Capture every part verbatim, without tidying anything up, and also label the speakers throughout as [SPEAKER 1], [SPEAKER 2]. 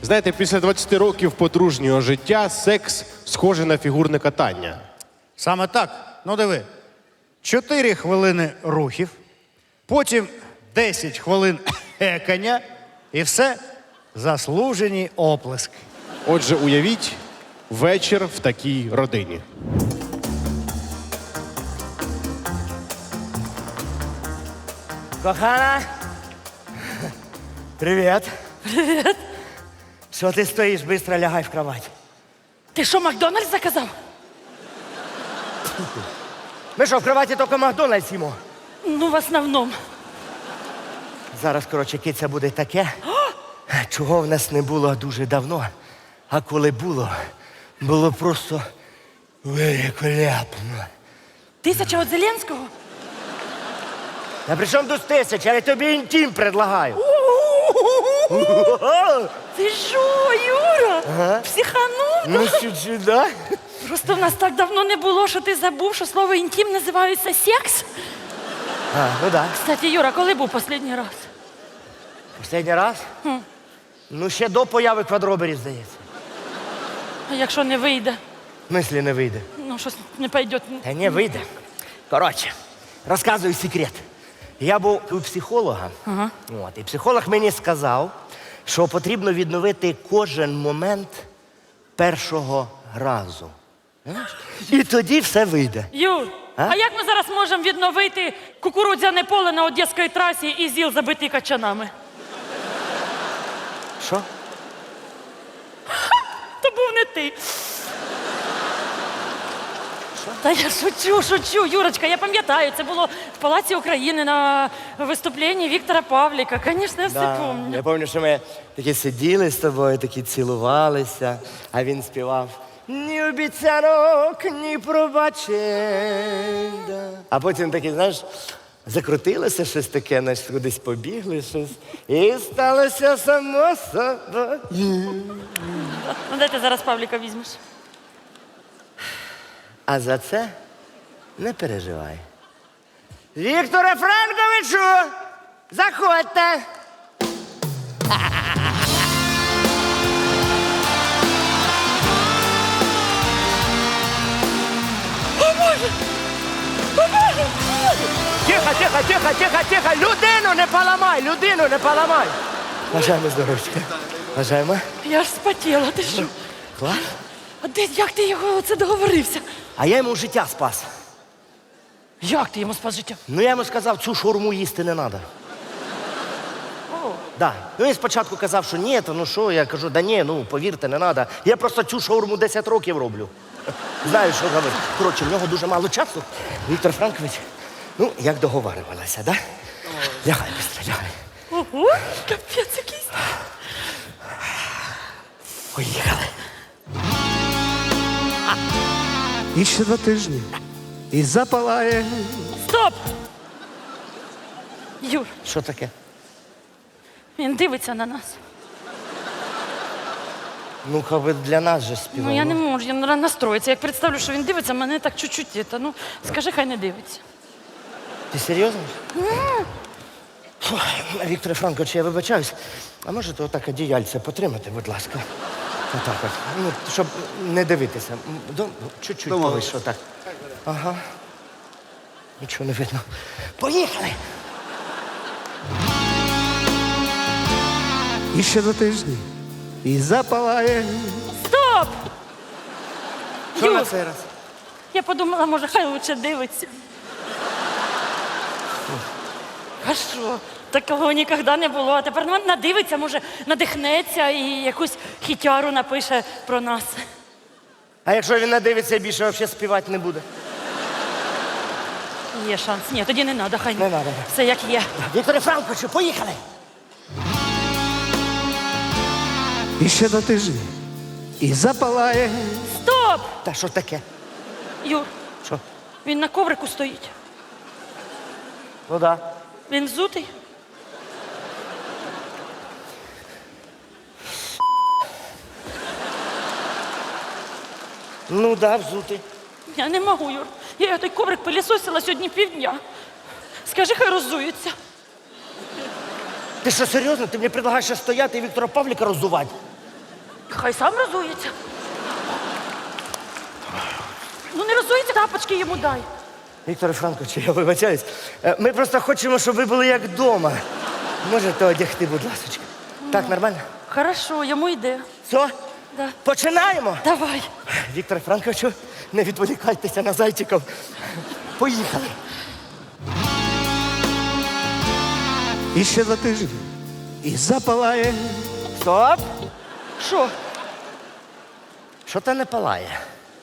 [SPEAKER 1] Знаєте, після двадцяти років подружнього життя секс схожий на фігурне катання.
[SPEAKER 2] Саме так. Ну диви. Чотири хвилини рухів, потім десять хвилин екання і все заслужені оплески.
[SPEAKER 1] Отже, уявіть вечір в такій родині.
[SPEAKER 3] Кохана. Привіт.
[SPEAKER 4] Привіт.
[SPEAKER 3] Що ти стоїш? Быстро лягай в кровать.
[SPEAKER 4] Ти що, Макдональдс заказав?
[SPEAKER 3] Ми що, в кроваті тільки Макдональдс їмо?
[SPEAKER 4] Ну, в основному.
[SPEAKER 3] Зараз, коротше, киця буде таке, чого в нас не було дуже давно. А коли було, було просто великолепно.
[SPEAKER 4] Тисяча від Зеленського?
[SPEAKER 3] А при чому тут тисяча? Я тобі інтим предлагаю.
[SPEAKER 4] Ти що, Юра?
[SPEAKER 3] Ага.
[SPEAKER 4] Психанув?
[SPEAKER 3] Ну, чуть-чуть, да?
[SPEAKER 4] Просто в нас так давно не було, що ти забув, що слово інтим називається секс.
[SPEAKER 3] А, ну да.
[SPEAKER 4] Кстати, Юра, коли був останній раз?
[SPEAKER 3] Останній раз?
[SPEAKER 4] Хм.
[SPEAKER 3] Ну, ще до появи квадроберів, здається.
[SPEAKER 4] А якщо не вийде?
[SPEAKER 3] В смислі не вийде.
[SPEAKER 4] Ну, щось не пойде.
[SPEAKER 3] Та не вийде. Коротше, розказую секрет. Я був у психолога,
[SPEAKER 4] Ага.
[SPEAKER 3] от, і психолог мені сказав, що потрібно відновити кожен момент першого разу. Знаєш? І тоді все вийде.
[SPEAKER 4] Юр,
[SPEAKER 3] А?
[SPEAKER 4] а? як ми зараз можемо відновити кукурудзяне поле на Одеській трасі і ЗІЛ забитий качанами?
[SPEAKER 3] Що?
[SPEAKER 4] То був не ти. Та я шучу, шучу, Юрочка, я пам'ятаю, це було в Палаці України на виступленні Віктора Павліка. Звісно, я все пам'ятаю.
[SPEAKER 3] Я пам'ятаю, що ми такі сиділи з тобою, такі цілувалися, а він співав ні обіцянок, ні пробачень. Да. А потім такий, знаєш, закрутилося щось таке, знаєш, кудись побігли щось. І сталося само собою.
[SPEAKER 4] Ну, де ти зараз Павліка візьмеш?
[SPEAKER 3] А за це не переживай. Вікторе Франковичу, заходьте. Тихо, тихо, тихо, тихо, тихо. Людину не поламай, людину не поламай. Бажаємо здоров'ячка. Бажаємо.
[SPEAKER 4] Я ж спотіла, ти що?
[SPEAKER 3] Клас.
[SPEAKER 4] А де, як ти його оце договорився?
[SPEAKER 3] А я йому життя спас.
[SPEAKER 4] Як ти йому спас життя?
[SPEAKER 3] Ну я йому сказав, цю шаурму їсти не треба.
[SPEAKER 4] О,
[SPEAKER 3] Да. Ну він спочатку казав, що ні, то ну що, я кажу, да ні, ну повірте, не треба. Я просто цю шаурму десять років роблю. Знаю, що говорити. Коротше, в нього дуже мало часу. Віктор Франкович, ну, як договарювалася, да? Лягай, быстро, лягай.
[SPEAKER 4] ого, капець якийсь.
[SPEAKER 3] Поїхали.
[SPEAKER 5] І ще два тижні. І запалає.
[SPEAKER 4] Стоп! Юр,
[SPEAKER 3] Що таке?
[SPEAKER 4] він дивиться на нас.
[SPEAKER 3] Ну, ви для нас же співали.
[SPEAKER 4] Ну я не можу, я не настроїться. Як представлю, що він дивиться, мене так чуть-чуть. це, Ну, скажи, хай не дивиться.
[SPEAKER 3] Ти серйозно? Фу, Віктор Франкович, я вибачаюсь. А можете отак одіяльце потримати, будь ласка? Отак от. Ну, щоб не дивитися. М, до- Чуть-чуть повише, отак. Ага. Нічого не видно. Поїхали!
[SPEAKER 5] І ще два тижні. І запалає.
[SPEAKER 4] Стоп!
[SPEAKER 3] Що на
[SPEAKER 4] Юр,
[SPEAKER 3] цей раз?
[SPEAKER 4] я подумала, може, хай лучше дивиться. А що? Такого ніколи не було. А тепер ну, надивиться, може, надихнеться і якусь хітяру напише про нас.
[SPEAKER 3] А якщо він надивиться, більше взагалі співати не буде?
[SPEAKER 4] Є шанс. Ні, тоді не треба, хай
[SPEAKER 3] Не надо.
[SPEAKER 4] все як є.
[SPEAKER 3] Вікторе Франковичу, поїхали!
[SPEAKER 5] І ще два тижні. І запалає.
[SPEAKER 4] Стоп!
[SPEAKER 3] Та що таке?
[SPEAKER 4] Юр,
[SPEAKER 3] Що?
[SPEAKER 4] він на коврику стоїть.
[SPEAKER 3] Ну да.
[SPEAKER 4] Він взутий.
[SPEAKER 3] Ну да, взутий.
[SPEAKER 4] Я не можу, Юр. Я той коврик пилісосила сьогодні півдня. Скажи, хай роззується.
[SPEAKER 3] Ти що, серйозно? Ти мені предлагаєш ще стояти і Віктора Павліка роззувати?
[SPEAKER 4] Хай сам розується. Ну не розується, тапочки йому дай.
[SPEAKER 3] Віктор Франкович, я вибачаюсь. Е, Ми просто хочемо, щоб ви були як вдома. Можете одягти, будь ласка. Так, нормально?
[SPEAKER 4] Хорошо, йому йде.
[SPEAKER 3] Все?
[SPEAKER 4] Да.
[SPEAKER 3] Починаємо?
[SPEAKER 4] Давай.
[SPEAKER 3] Віктор Франковичу, не відволікайтеся на зайчиків. Поїхали.
[SPEAKER 5] І ще за тиждень. І запалає.
[SPEAKER 3] Стоп!
[SPEAKER 4] Що?
[SPEAKER 3] Що то не палає?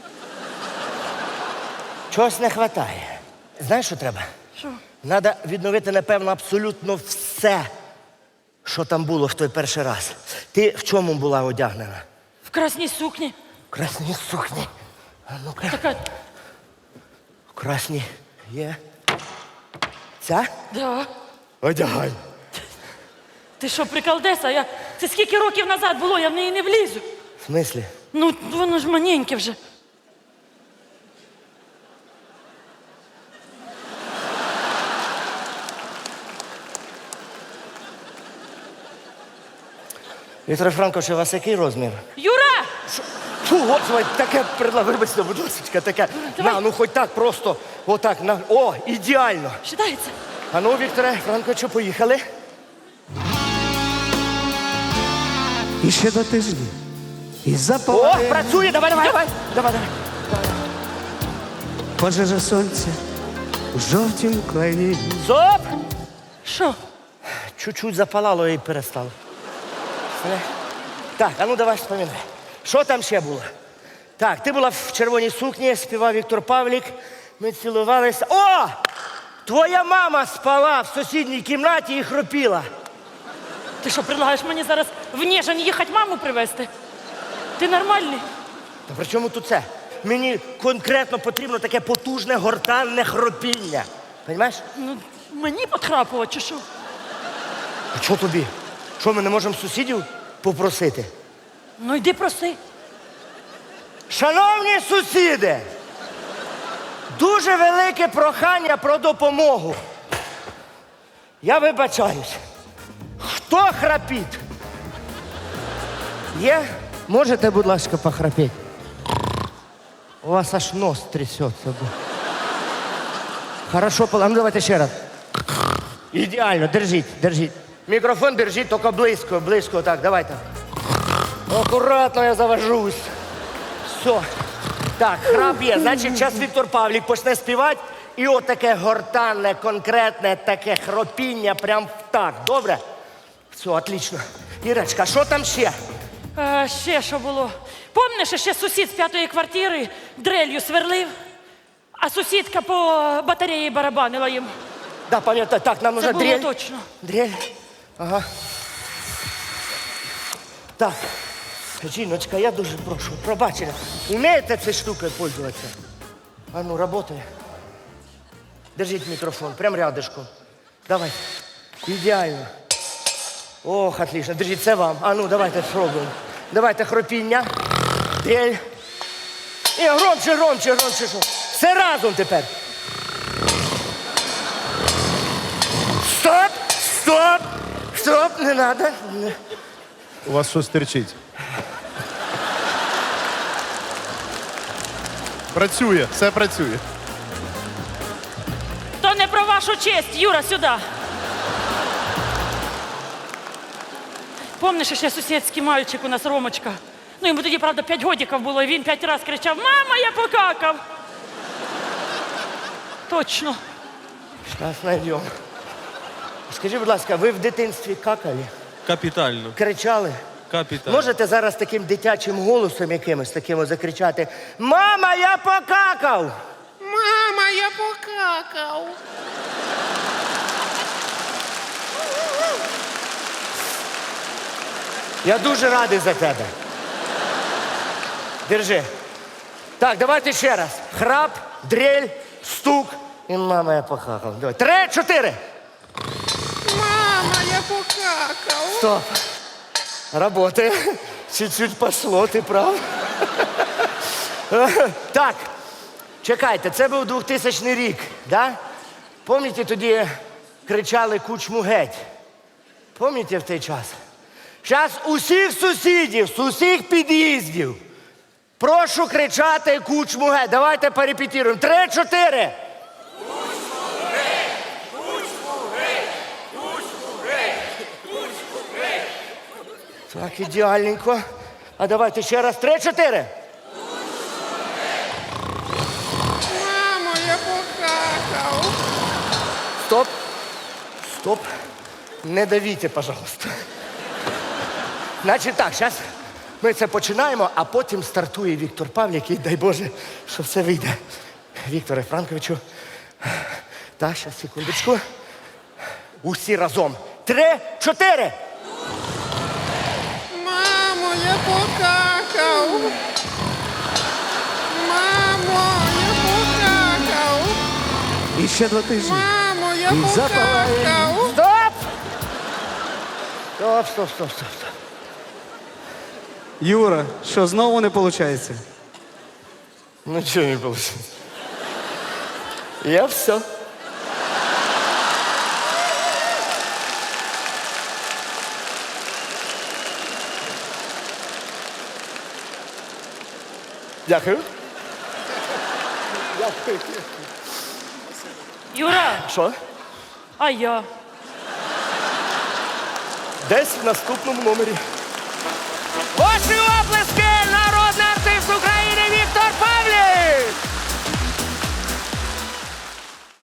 [SPEAKER 3] Чогось не вистачає. Знаєш, що треба?
[SPEAKER 4] Що?
[SPEAKER 3] Треба відновити, напевно, абсолютно все, що там було в той перший раз. Ти в чому була одягнена?
[SPEAKER 4] В красній сукні.
[SPEAKER 3] В красній сукні. А ну-ка.
[SPEAKER 4] Така.
[SPEAKER 3] В красній є. Ця?
[SPEAKER 4] Да.
[SPEAKER 3] Одягай.
[SPEAKER 4] Ти що, приколдеса? Я... Це скільки років назад було, я в неї не влізу.
[SPEAKER 3] В смислі?
[SPEAKER 4] Ну, воно ж маненьке вже.
[SPEAKER 3] Віктор Франкович, у вас який розмір?
[SPEAKER 4] Юра!
[SPEAKER 3] Фу, господи, таке предлагаю, вибачте, будь ласка, таке.
[SPEAKER 4] Давай.
[SPEAKER 3] На, ну хоч так просто, отак, на. О, ідеально.
[SPEAKER 4] Считається?
[SPEAKER 3] А ну, Вікторе Франковичу, поїхали.
[SPEAKER 5] І ще до тижня. І
[SPEAKER 3] О,
[SPEAKER 5] запалає.
[SPEAKER 3] працює, давай, давай, давай. Давай, давай.
[SPEAKER 5] Пожежа сонця у жовтім клені.
[SPEAKER 3] Стоп!
[SPEAKER 4] Що?
[SPEAKER 3] Чуть-чуть запалало і перестало. Все? Так, а ну давай вспоминай. Що там ще було? Так, ти була в червоній сукні, співав Віктор Павлік. Ми цілувалися. О! Твоя мама спала в сусідній кімнаті і хропіла.
[SPEAKER 4] Ти що, предлагаєш мені зараз в Ніжин їхати маму привезти? Ти нормальний?
[SPEAKER 3] Та при чому тут це? Мені конкретно потрібно таке потужне гортанне хропіння. Понімаєш?
[SPEAKER 4] Ну, мені потрапувати чи що?
[SPEAKER 3] А що тобі? Що, ми не можемо сусідів попросити?
[SPEAKER 4] Ну йди проси.
[SPEAKER 3] Шановні сусіди, дуже велике прохання про допомогу. Я вибачаюсь. Хто храпить? Є? Можете, будь ласка, похрапеть? У вас аж нос трясеться. Хорошо, а ну давайте ще раз. Ідеально, держіть, держіть. Мікрофон держіть, тільки близько, близько, так, давайте. Акуратно я завожусь. Все. Так, храп є. Значить, зараз Віктор Павлік почне співати. І от таке гортанне, конкретне таке хропіння прям так. Добре? Все, отлично. Ірочка, що там ще?
[SPEAKER 4] А, ще що було? Помниш, ще сусід з п'ятої квартири дрелью сверлив, а сусідка по батареї барабанила їм.
[SPEAKER 3] Да, пам'ятаю, так, нам
[SPEAKER 4] Це
[SPEAKER 3] нужна
[SPEAKER 4] було
[SPEAKER 3] дрель.
[SPEAKER 4] точно.
[SPEAKER 3] Дрель. Ага. Так. Жіночка, я дуже прошу, пробачення. Умієте цією штукою пользуватися? А ну, работає. Держіть мікрофон, прям рядышком. Давай. Ідеально. Ох, отлично. Держіть, це вам. А ну, давайте спробуємо. Давайте хропіння. Дрель. І громче, громче, громче. Що? Все разом тепер. Стоп! Стоп! Стоп! Не надо. Не.
[SPEAKER 1] У вас що стерчить? Працює, все працює.
[SPEAKER 4] То не про вашу честь, Юра, сюди. Помниш, ще сусідський мальчик у нас Ромочка? Ну, йому тоді, правда, п'ять годиків було, і він п'ять разів кричав: «Мама, я покакав!» Точно.
[SPEAKER 3] Зараз знайдемо. Скажіть, будь ласка, ви в дитинстві какали?
[SPEAKER 6] Капітально.
[SPEAKER 3] Кричали?
[SPEAKER 6] Капітально.
[SPEAKER 3] Можете зараз таким дитячим голосом якимось таким закричати: «Мама, я покакав!»
[SPEAKER 1] Мама, я покакав.
[SPEAKER 3] Я дуже радий за тебе. Держи. Так, давайте ще раз. Храп, дрель, стук. І мама, я покакав. Давай. Три, чотири.
[SPEAKER 1] Мама, я покакав.
[SPEAKER 3] Стоп. Работає. Чуть-чуть пошло, ти прав. Так, чекайте, це був двохтисячний рік, да? Пам'ятаєте, тоді кричали «Кучму геть»? Пам'ятаєте в той час? Зараз усіх сусідів, з усіх під'їздів. Прошу кричати кучму геть. Давайте перепетируємо. Три-чотири. Так, ідеальненько. А давайте ще раз. Три-чотири.
[SPEAKER 6] Мамо, я покакав.
[SPEAKER 3] Стоп. Стоп. Не давіть, пожалуйста. Значить так, зараз ми це починаємо, а потім стартує Віктор Павлік і дай Боже, що все вийде. Вікторе Франковичу. Так, зараз, секундочку. Усі разом. Три, чотири.
[SPEAKER 6] Мамо, я покакав. Мамо, я покакав.
[SPEAKER 5] І ще два тижні.
[SPEAKER 6] Мамо, я
[SPEAKER 5] І запалає.
[SPEAKER 6] покакав.
[SPEAKER 3] Стоп! Стоп, стоп, стоп, стоп, стоп.
[SPEAKER 5] Юра, що знову не виходить?
[SPEAKER 3] Ну чого не вийшло? Я все. Дякую. Дякую.
[SPEAKER 4] Юра,
[SPEAKER 3] Що?
[SPEAKER 4] а я?
[SPEAKER 3] Десь в наступному номері. Ваші оплески!